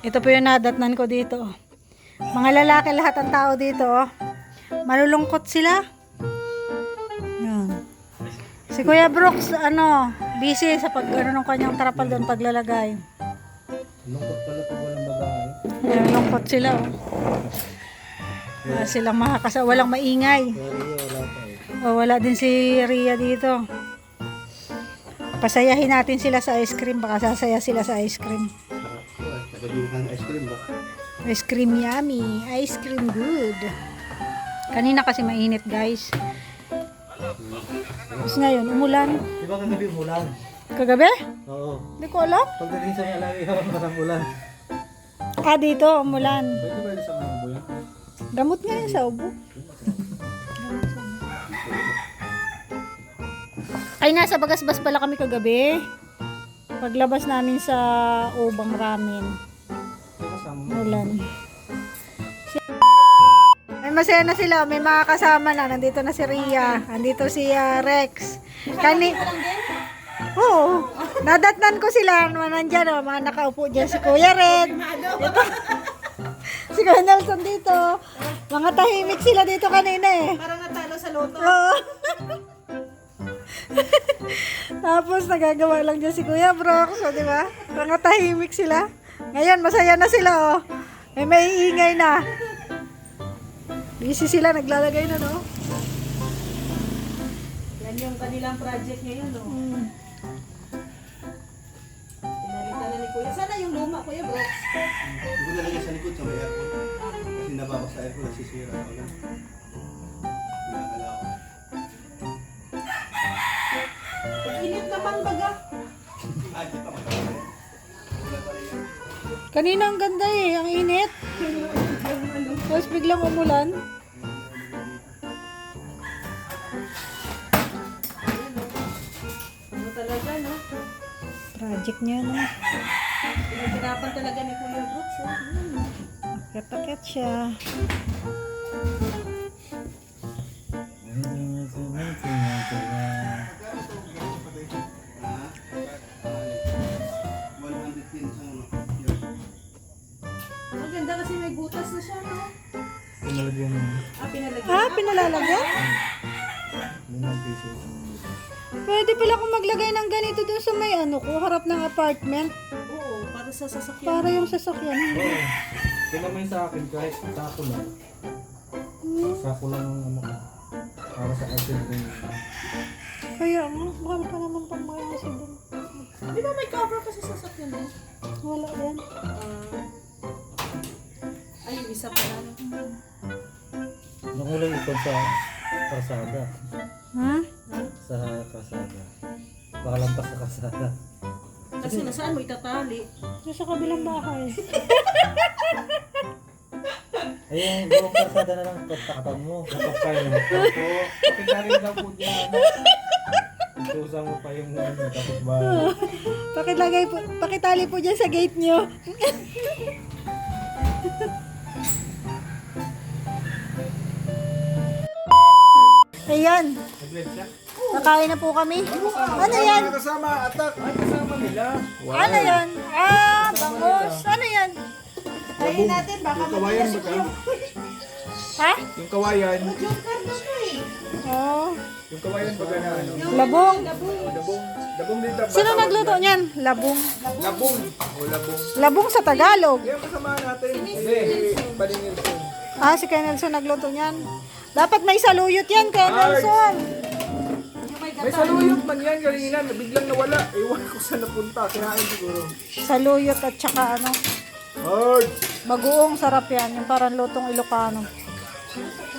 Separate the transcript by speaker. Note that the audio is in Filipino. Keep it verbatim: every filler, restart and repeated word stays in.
Speaker 1: Ito po yung nadatnan ko dito. Mga lalaki lahat ang tao dito. Oh. Malulungkot sila. Yan. Si Kuya Brooks, ano, busy sa pag ano, ng kanyang trapal doon paglalagay.
Speaker 2: Lungkot pala pag walang babae.
Speaker 1: Malulungkot sila. Oh. Wala silang makakasa, walang maingay.
Speaker 2: Pero wala pa eh.
Speaker 1: Oh, wala din si Ria dito. Pasayahin natin sila sa ice cream. Baka sasaya sila sa ice cream.
Speaker 2: Nagaduhan ng ice cream ba?
Speaker 1: Ice cream yummy. Ice cream good. Kanina kasi mainit guys. Tapos ngayon, umulan.
Speaker 2: Di ba kagabi umulan?
Speaker 1: Kagabi?
Speaker 2: Oo.
Speaker 1: Hindi ko alam.
Speaker 2: Pagdating sa Malawi, parang ulan.
Speaker 1: Ah, dito, umulan.
Speaker 2: Pwede ba sa mga buyan?
Speaker 1: Gamot nga yun sa ubo. Ay, nasa Bagasbas pala kami kagabi. Paglabas namin sa Ubang Ramen. Ulan. Ay, masaya na sila. May mga kasama na. Nandito na si Ria. Nandito si uh, Rex. Kani... Oo. Nadatnan ko sila. Nandyan, oh, mga nakaupo dyan. Si Kuya Red. Ito. Si Kuya Nelson dito. Mga tahimik sila dito kanina eh.
Speaker 3: Parang natalo sa loto.
Speaker 1: Oo. Tapos nagagawa lang dyan si Kuya Brooks, o, di ba? Mga tahimik sila. Ngayon, masaya na sila, oh. May maiingay na. Busy sila, naglalagay na, no?
Speaker 3: Yan yung kanilang project ngayon, no?
Speaker 1: Hmm.
Speaker 3: Pinalitan na ni Kuya. Sana yung luma, Kuya Brooks.
Speaker 2: Hindi ko nalagay sa likod sa may aircon. Kasi nababas sa aircon, nasisira ako lang. Pinakala ko.
Speaker 3: Init naman baga.
Speaker 2: Ah, di pa matapos. Wala pa rin yan.
Speaker 1: Kanina ang ganda eh, ang init. Tapos biglang umulan.
Speaker 3: Ano talaga, no?
Speaker 1: Project niya, no?
Speaker 3: Pinaghirapan talaga ni Kuya Brooks, oh. Hmm.
Speaker 1: Akit-akit siya.
Speaker 3: Maganda kasi may butas na siya, no?
Speaker 2: Pinalagyan mo.
Speaker 3: Ah, pinalagyan.
Speaker 1: Ah, pinalalagyan?
Speaker 2: Limang pieces.
Speaker 1: Pwede pala akong maglagay ng ganito dun sa may ano ko, harap ng apartment.
Speaker 3: Oo, para sa sasakyan.
Speaker 1: Para yung sasakyan.
Speaker 2: Oo. Kailan mo yun sa akin kahit sako lang. Sako lang ang ano ko. Para sa ice cream.
Speaker 1: Kaya nga, mahal pa naman pang mga kasi dun.
Speaker 3: Di ba may cover kasi sa sasakyan, no?
Speaker 1: Wala yan.
Speaker 3: Ah. Ay, yung isa pa lang.
Speaker 2: Nakulay ito sa kasada.
Speaker 1: Ha?
Speaker 2: Sa kasada. Baka lampas sa kasada.
Speaker 3: Kasi nasaan mo itatali?
Speaker 1: Yung sa kabilang bahay.
Speaker 2: Ayun, buong kasada na lang pagtakpan mo. Kapag mo. Opo, pakitarin lang po dyan. Itusan mo pa yung ano, kapit bahay.
Speaker 1: Pakilagay po, pakitali po dyan sa gate nyo. Ayan,
Speaker 2: Nag-red siya?
Speaker 1: kakain na po kami. Ano yan?
Speaker 2: Kasama, atak. Ay, kasama nila.
Speaker 1: Ano yan? Ah, bangus. Ano yan?
Speaker 3: Tayin natin, baka
Speaker 2: Yung kawayan ba ka?
Speaker 1: Ha?
Speaker 2: Yung kawayan.
Speaker 3: Yung karno ko eh.
Speaker 1: Oh,
Speaker 2: Yung kawayan ba ka na ano?
Speaker 1: labong.
Speaker 2: Labong. Labong din taba.
Speaker 1: Sino nagluto niyan? Labong.
Speaker 2: Labong. O labong.
Speaker 1: Labong sa Tagalog.
Speaker 2: Yan kasama natin. Hindi. Balingin ko.
Speaker 1: Ah, si Kuya Nelson nagluto niyan. Dapat may saluyot yan, Kuya Nelson.
Speaker 2: May saluyot man yan kanina. Biglang nawala. Ewan ko saan napunta. Kinain siguro.
Speaker 1: Saluyot at saka ano,
Speaker 2: Hard.
Speaker 1: bagoong sarap yan. Yung parang lutong Ilocano.